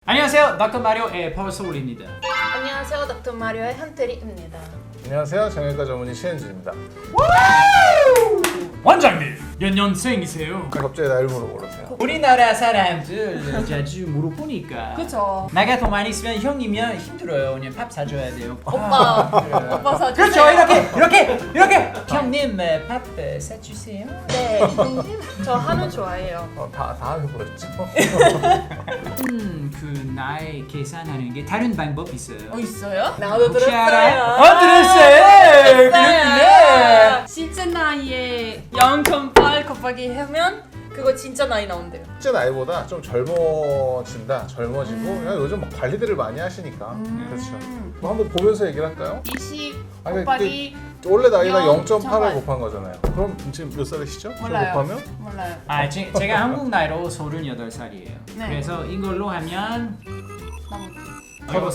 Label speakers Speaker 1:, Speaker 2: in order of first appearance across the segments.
Speaker 1: 안녕하세요, 닥터 마리오의 파워소울입니다.
Speaker 2: 안녕하세요, 닥터 마리오의 현태리입니다.
Speaker 3: 안녕하세요, 정형외과 전문의 신현주입니다.
Speaker 1: 원장님, 몇 년생이세요?
Speaker 3: 갑자기 나이를 물어보세요.
Speaker 1: 우리나라 사람들 자주 물어보니까
Speaker 2: 그쵸.
Speaker 1: 나이가 더 많이 있으면 형이면 힘들어요. 그냥 밥 사줘야 돼요.
Speaker 2: 오빠 사주세요.
Speaker 1: 그렇죠, 이렇게. 형님 밥 사주세요.
Speaker 2: 네, 저 한우 좋아해요.
Speaker 3: 다 해버렸죠.
Speaker 1: 그 나이 계산하는 게 다른 방법 있어요.
Speaker 2: 있어요? 나도
Speaker 1: 혹시
Speaker 2: 들었어요.
Speaker 1: 알아요? 들었어요. 그렇구나.
Speaker 2: 실제 나이에 0.8 곱하기 하면 그거 진짜 나이 나온대요.
Speaker 3: 실제 나이보다 좀 젊어지고 그냥 요즘 막 관리들을 많이 하시니까 그렇죠. 뭐 한번 보면서 얘기를 할까요?
Speaker 2: 20
Speaker 3: 아니,
Speaker 2: 곱하기
Speaker 3: 원래 나이가
Speaker 2: 0.8
Speaker 3: 0.8을 곱한 거잖아요. 그럼 지금 몇 살이시죠?
Speaker 2: 몰라요.
Speaker 3: 곱하면?
Speaker 2: 몰라요.
Speaker 1: 제가 한국 나이로 38살이에요.
Speaker 2: 네.
Speaker 1: 그래서 이걸로 하면
Speaker 3: 서른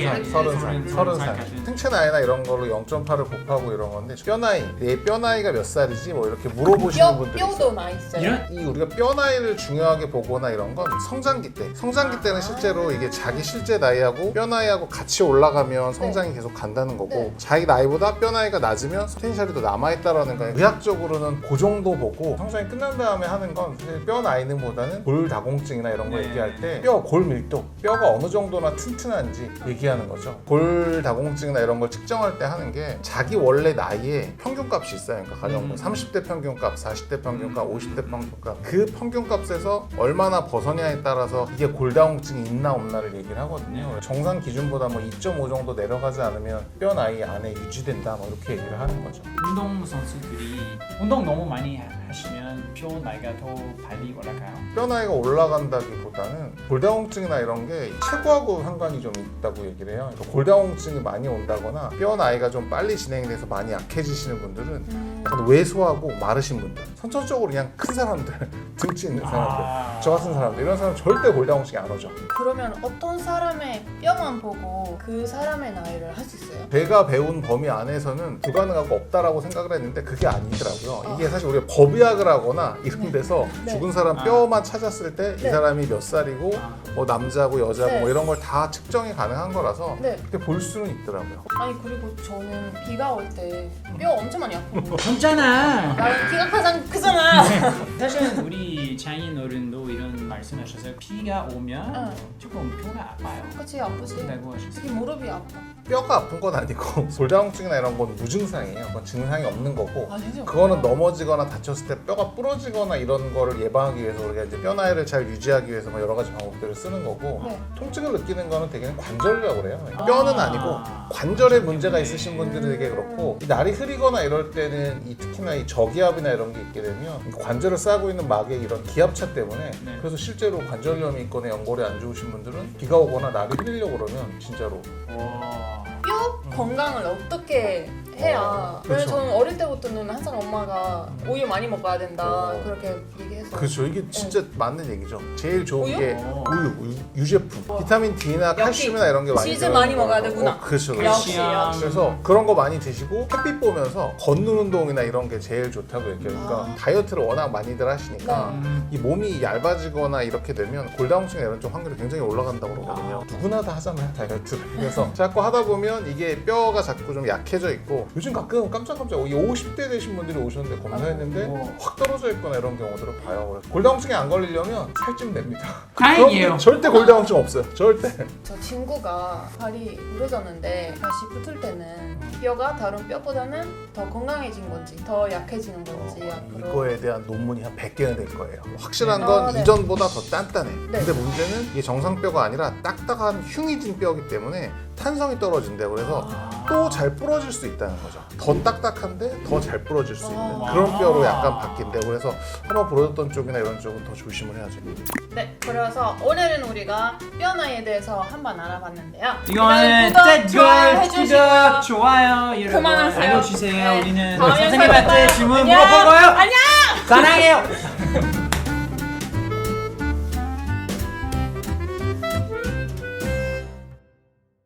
Speaker 3: 살.
Speaker 1: 같은.
Speaker 3: 생체 나이나 이런 걸로 0.8을 곱하고 이런 건데 뼈 나이, 내 뼈 나이가 몇 살이지 뭐 이렇게 물어보시는 분들이 있어요.
Speaker 2: 뼈도 나이 있어요.
Speaker 1: 이런?
Speaker 3: 이 우리가 뼈 나이를 중요하게 보거나 이런 건 성장기 때는 실제로 이게 자기 실제 나이하고 뼈 나이하고 같이 올라가면 성장이 계속 간다는 거고
Speaker 2: 네.
Speaker 3: 자기 나이보다 뼈 나이가 낮으면 포텐셜이 더 남아있다라는 거예요. 의학적으로는 그 정도 보고 성장이 끝난 다음에 하는 건 사실 뼈 나이는 보다는 골다공증이나 이런 거
Speaker 1: 네.
Speaker 3: 얘기할 때 뼈 골 밀도, 뼈가 어느 정도나 튼튼한지 얘기하는 거죠. 골다공증이나 이런 걸 측정할 때 하는 게 자기 원래 나이에 평균값이 있어요. 그러니까 가정분 30대 평균값, 40대 평균값, 50대 평균값 그 평균값에서 얼마나 벗어냐에 따라서 이게 골다공증이 있나 없나를 얘기를 하거든요. 정상 기준보다 뭐 2.5 정도 내려가지 않으면 뼈 나이 안에 유지된다 뭐 이렇게 얘기를 하는 거죠.
Speaker 1: 운동 선수들이 운동 너무 많이 하시면 뼈 나이가 더 빨리 올라가요.
Speaker 3: 뼈 나이가 올라간다기보다는 골다공증이나 이런 게 체구하고 상관이 좀 있다고 얘기를 해요. 그러니까 골다공증이 많이 온다거나 뼈 나이가 좀 빨리 진행이 돼서 많이 약해지시는 분들은 약간 왜소하고 마르신 분들, 선천적으로 그냥 큰 사람들, 등치 있는 사람들, 저 같은 사람들 이런 사람 절대 골다공증이 안 오죠.
Speaker 2: 그러면 어떤 사람의 뼈만 보고 그 사람의 나이를 할 수 있어요?
Speaker 3: 제가 배운 범위 안에서는 불가능하고 없다라고 생각을 했는데 그게 아니더라고요. 이게 사실 우리가 법의학을 하거나 이런 데서
Speaker 2: 네.
Speaker 3: 죽은 사람 뼈만 찾았을 때 이
Speaker 2: 네.
Speaker 3: 사람이 몇 살이고 뭐 남자고 여자고
Speaker 2: 네.
Speaker 3: 뭐 이런 걸 다 측정이 가능한 거라서
Speaker 2: 네.
Speaker 3: 그렇게 볼 수는 있더라고요.
Speaker 2: 아니 그리고 저는 비가 올 때 뼈 엄청 많이 아프고
Speaker 1: 괜찮아.
Speaker 2: 나는 키가 가장 크잖아.
Speaker 1: 사실 우리 장인 어른도 이런 말씀하셨어요. 비가 오면 조금 뼈가 아파요.
Speaker 2: 그치 아프지.
Speaker 1: 라고 하셨어요.
Speaker 2: 특히 무릎이 아파.
Speaker 3: 뼈가 아픈 건 아니고 골다공증이나 이런 건 무증상이에요. 그건 증상이 없는 거고
Speaker 2: 아 진짜?
Speaker 3: 그거는 넘어지거나 다쳤을 때 뼈가 부러지거나 이런 거를 예방하기 위해서 우리가 이제 뼈 나이를 잘 유지하기 위해서 뭐 여러 가지 방법들을 쓰는 거고
Speaker 2: 네.
Speaker 3: 통증을 느끼는 거는 대개는 관절이라고 그래요. 뼈는 아니고 관절에 문제가 있으신 분들에게 그렇고 이 날이 흐리거나 이럴 때는 특히나 이 저기압이나 이런 게 있게 되면 이 관절을 싸고 있는 막의 이런 기압차 때문에
Speaker 1: 네.
Speaker 3: 그래서 실제로 관절염이 있거나 연골이 안 좋으신 분들은 비가 오거나 날이 흐리려고 그러면 진짜로
Speaker 2: 뼈 건강을 어떻게 해야?
Speaker 3: 그쵸.
Speaker 2: 왜냐면 저는 어릴 때부터는 항상 엄마가 우유 많이 먹어야 된다 그렇게 얘기해서.
Speaker 3: 그렇죠. 이게 진짜 맞는 얘기죠. 제일 좋은
Speaker 2: 우유?
Speaker 3: 게 유제품. 비타민 D나 칼슘이나 이런 게 많이
Speaker 2: 치즈
Speaker 3: 들어가는
Speaker 2: 많이 먹어야
Speaker 3: 거라서.
Speaker 2: 되구나.
Speaker 3: 그렇죠.
Speaker 2: 역시.
Speaker 3: 그래서 그런 거 많이 드시고 햇빛 보면서 걷는 운동이나 이런 게 제일 좋다고 얘기해요. 그러니까 다이어트를 워낙 많이들 하시니까 이 몸이 얇아지거나 이렇게 되면 골다공증이나 이런 쪽 확률이 굉장히 올라간다고 그러거든요. 누구나 다 하잖아요, 다이어트를. 그래서 자꾸 하다 보면 이게 뼈가 자꾸 좀 약해져 있고 요즘 가끔 깜짝깜짝 50대 되신 분들이 오셨는데 검사했는데 확 떨어져 있거나 이런 경우들을 봐요. 그래서 골다공증에 안 걸리려면 살찌면 됩니다.
Speaker 1: 다행이에요.
Speaker 3: 그럼 절대 골다공증 없어요. 절대.
Speaker 2: 저 친구가 발이 부러졌는데 다시 붙을 때는 뼈가 다른 뼈보다는 더 건강해진 건지 더 약해지는 건지 앞으로.
Speaker 3: 이거에 대한 논문이 한 100개는 될 거예요. 확실한 건
Speaker 2: 네.
Speaker 3: 이전보다 더 단단해.
Speaker 2: 네.
Speaker 3: 근데 문제는 이게 정상뼈가 아니라 딱딱한 흉이진 뼈이기 때문에 탄성이 떨어진대요. 그래서 또 잘 부러질 수 있다는 거죠. 더 딱딱한데 더 잘 부러질 수 있는 그런 뼈로 약간 바뀐대요. 그래서 한번 부러졌던 쪽이나 이런 쪽은 더 조심을 해야죠.
Speaker 2: 네, 그래서 오늘은 우리가 뼈 나이에 대해서 한번 알아봤는데요.
Speaker 1: 이거는
Speaker 2: 구독, 좋아요 해주시고요.
Speaker 1: 구독, 좋아요 여러분
Speaker 2: 그만하세요.
Speaker 1: 알려주세요.
Speaker 2: 네.
Speaker 1: 우리는
Speaker 2: 다음에
Speaker 1: 선생님한테
Speaker 2: 봐요.
Speaker 1: 질문
Speaker 2: 안녕.
Speaker 1: 물어볼 거예요.
Speaker 2: 안녕.
Speaker 1: 사랑해요.